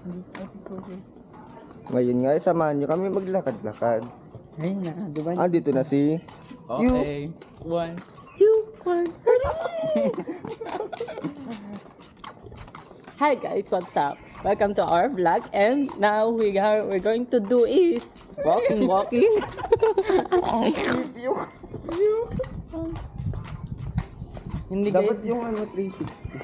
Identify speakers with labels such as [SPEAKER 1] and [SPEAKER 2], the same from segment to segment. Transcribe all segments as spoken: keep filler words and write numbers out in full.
[SPEAKER 1] Ngayon nga, samahan nyo kami maglakad-lakad.
[SPEAKER 2] Ayun na, di ba?
[SPEAKER 1] Ah, dito na si...
[SPEAKER 2] Okay. One. You, one. Hi guys, what's up? Welcome to our vlog, and now we are we're going to do is walking, walking. Hindi guys.
[SPEAKER 1] Dapat yung ano, three sixty.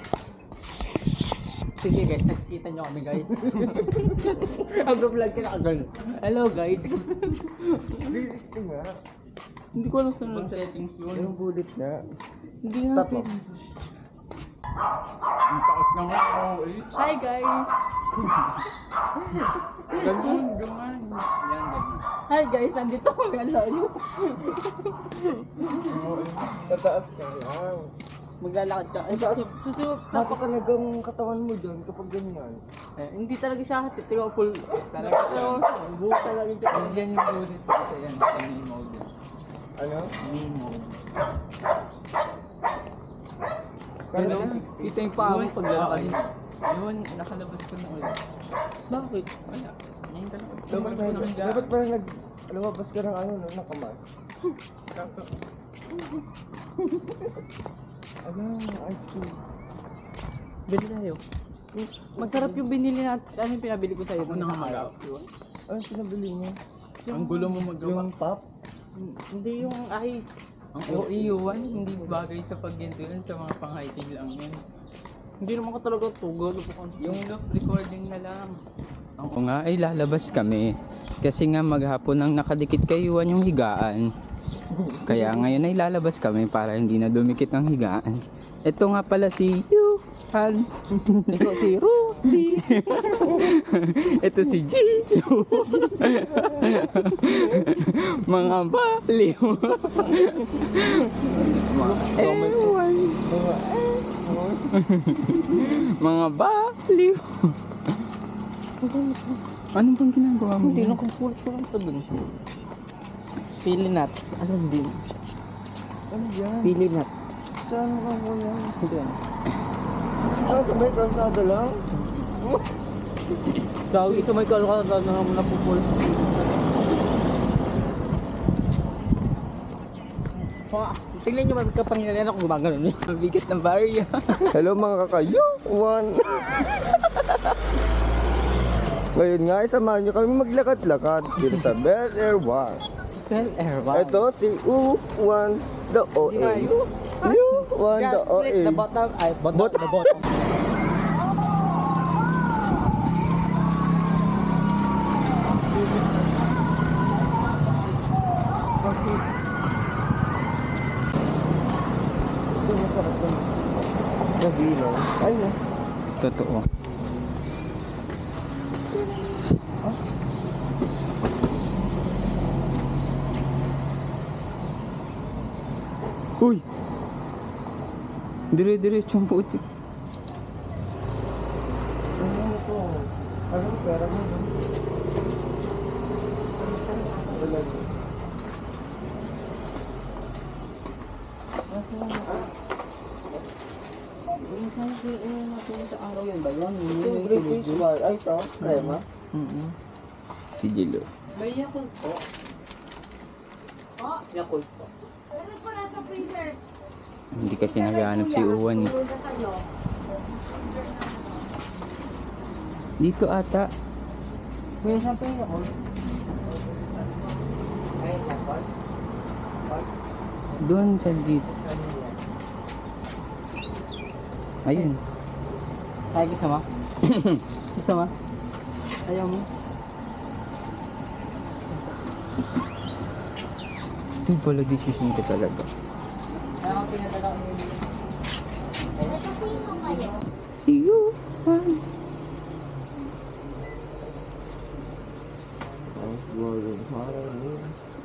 [SPEAKER 2] Sige guys, nakikita nyo kami guys. Mag-vlog ka na agad. Hello guys.
[SPEAKER 1] three sixty nga.
[SPEAKER 2] Hindi ko alam saan ang settings yun.
[SPEAKER 1] Yung bullet nga.
[SPEAKER 2] Hindi nga
[SPEAKER 1] Stop mo.
[SPEAKER 2] pwede. Ang taot na nga ako eh. Hi guys! Ganun, ganun. Yan, ganun. Hi guys, nandito kami ang layo.
[SPEAKER 1] Tataas ka lang.
[SPEAKER 2] Maglalakad ka. Ay, susunod.
[SPEAKER 1] Hati talagang katawan mo dyan kapag ganyan.
[SPEAKER 2] Eh, hindi talaga siya hati. Tingnan full. Talaga. Pero, buhok talaga yung siya. Yan yung bullet ko kasi yan. Sa knee mode.
[SPEAKER 1] Ano?
[SPEAKER 2] Knee mode.
[SPEAKER 1] Kala
[SPEAKER 2] Hello?
[SPEAKER 1] ko
[SPEAKER 2] Ito yung paa mo paglalakad.
[SPEAKER 3] Yun, nakalabas ko na ulit.
[SPEAKER 2] Bakit?
[SPEAKER 3] Wala. Ngayon ka lang.
[SPEAKER 1] Dapat pa, dapat pa nag... Lumabas ka ng ano, no, nakamas. Ano, ice cream.
[SPEAKER 2] Bili tayo. Masarap yung binili natin. Ano yung pinabili ko sa'yo?
[SPEAKER 3] Ako na nga mag-out.
[SPEAKER 1] Ano pinabili mo?
[SPEAKER 3] Ang gulo mo magawa.
[SPEAKER 1] Yung pop?
[SPEAKER 2] Hindi yung ice.
[SPEAKER 3] Ang O E U one, hindi bagay sa pagganto yun. Sa mga pang-hiking lang yun.
[SPEAKER 2] Hindi naman ka talaga tugon.
[SPEAKER 3] Yung loop recording na lang. Oo nga, ay lalabas kami. Kasi nga maghapon ang nakadikit kay Yuan yung higaan. Kaya ngayon ay lalabas kami para hindi na dumikit ang higaan. Ito nga pala si Yuan.
[SPEAKER 2] Ito si Rudy.
[SPEAKER 3] Ito si G. Mga baliw. Mga ewan. Mga baliw. Ano bang ginagawa mo?
[SPEAKER 2] Hindi na kung full full ito dun. Pili nuts. Alam din.
[SPEAKER 1] Ano yan?
[SPEAKER 2] Pili nuts.
[SPEAKER 1] Saan ka mo yan?
[SPEAKER 2] Doon.
[SPEAKER 1] Ah, sabay kalsada lang?
[SPEAKER 2] Dahil ito may kalakad na naman napupul. Tingnan nyo magkapangyarihan ako gumagano.
[SPEAKER 3] Mabigat ng barya.
[SPEAKER 1] Hello mga kakayo! One! Ngayon nga, samahan nyo kami maglakad-lakad dito sa Bel Air One.
[SPEAKER 2] Bel Air One.
[SPEAKER 1] Ito si U one the O A. U one the O A.
[SPEAKER 2] The bottom. Ay, bottom.
[SPEAKER 1] Bot-
[SPEAKER 2] The bottom.
[SPEAKER 1] Sa bilong. Ay na.
[SPEAKER 3] Totoo. Uy! Dire-diretso ang putik.
[SPEAKER 1] Ano ito? Ano ito? Pera mo? Wala.
[SPEAKER 2] Sa araw yan ba yan?
[SPEAKER 1] Yung great fish bar. Ay ito, crema.
[SPEAKER 3] Mm-hmm. Si Jilo.
[SPEAKER 2] May Yakult po.
[SPEAKER 4] Oh,
[SPEAKER 2] Yakult po.
[SPEAKER 4] meron po nasa freezer.
[SPEAKER 3] Hindi kasi naghahanap si Uwan eh.
[SPEAKER 4] Tulog na sa'yo.
[SPEAKER 3] Dito ata.
[SPEAKER 2] May saan pa yung Yakult?
[SPEAKER 1] Ayun lang ba?
[SPEAKER 3] Doon sa dito. Ayun.
[SPEAKER 2] Ay, kasama? Kasama? Ayaw mo?
[SPEAKER 3] Ito pala decision ko talaga.
[SPEAKER 2] Ayaw ko pinadala ko yun.
[SPEAKER 4] Nasa sino kayo?
[SPEAKER 3] See you. Bye.
[SPEAKER 1] Ang golden parang yun.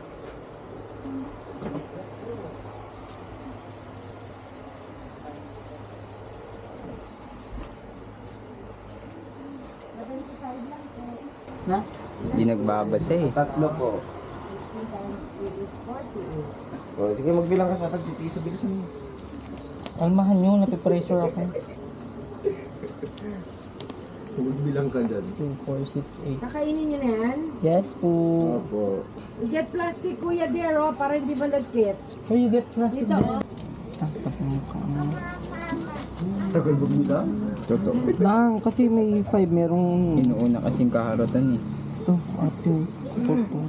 [SPEAKER 2] Na?
[SPEAKER 3] Hindi nagbabasa eh.
[SPEAKER 1] Tatlo po. O, sige magbilang ka sa akin. Piso bilisan mo.
[SPEAKER 2] Almahan nyo, napipressure ako.
[SPEAKER 1] Bilang ka dyan.
[SPEAKER 2] two, four, six, eight.
[SPEAKER 5] Kakainin nyo na yan?
[SPEAKER 2] Yes po.
[SPEAKER 1] Opo.
[SPEAKER 5] Get plastic, Kuya Dero, para hindi malagkit.
[SPEAKER 2] Oh, you get plastic
[SPEAKER 5] Dito,
[SPEAKER 2] there.
[SPEAKER 5] oh.
[SPEAKER 1] Tagal bumila? Totoo.
[SPEAKER 2] Lang, kasi may five, merong...
[SPEAKER 3] Inuuna kasing kaharotan eh.
[SPEAKER 2] Ito, ato, four, two.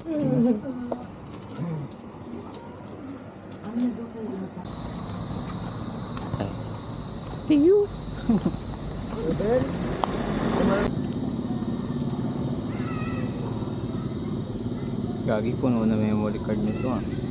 [SPEAKER 3] See you! Gagi, puno na memory card nito ah.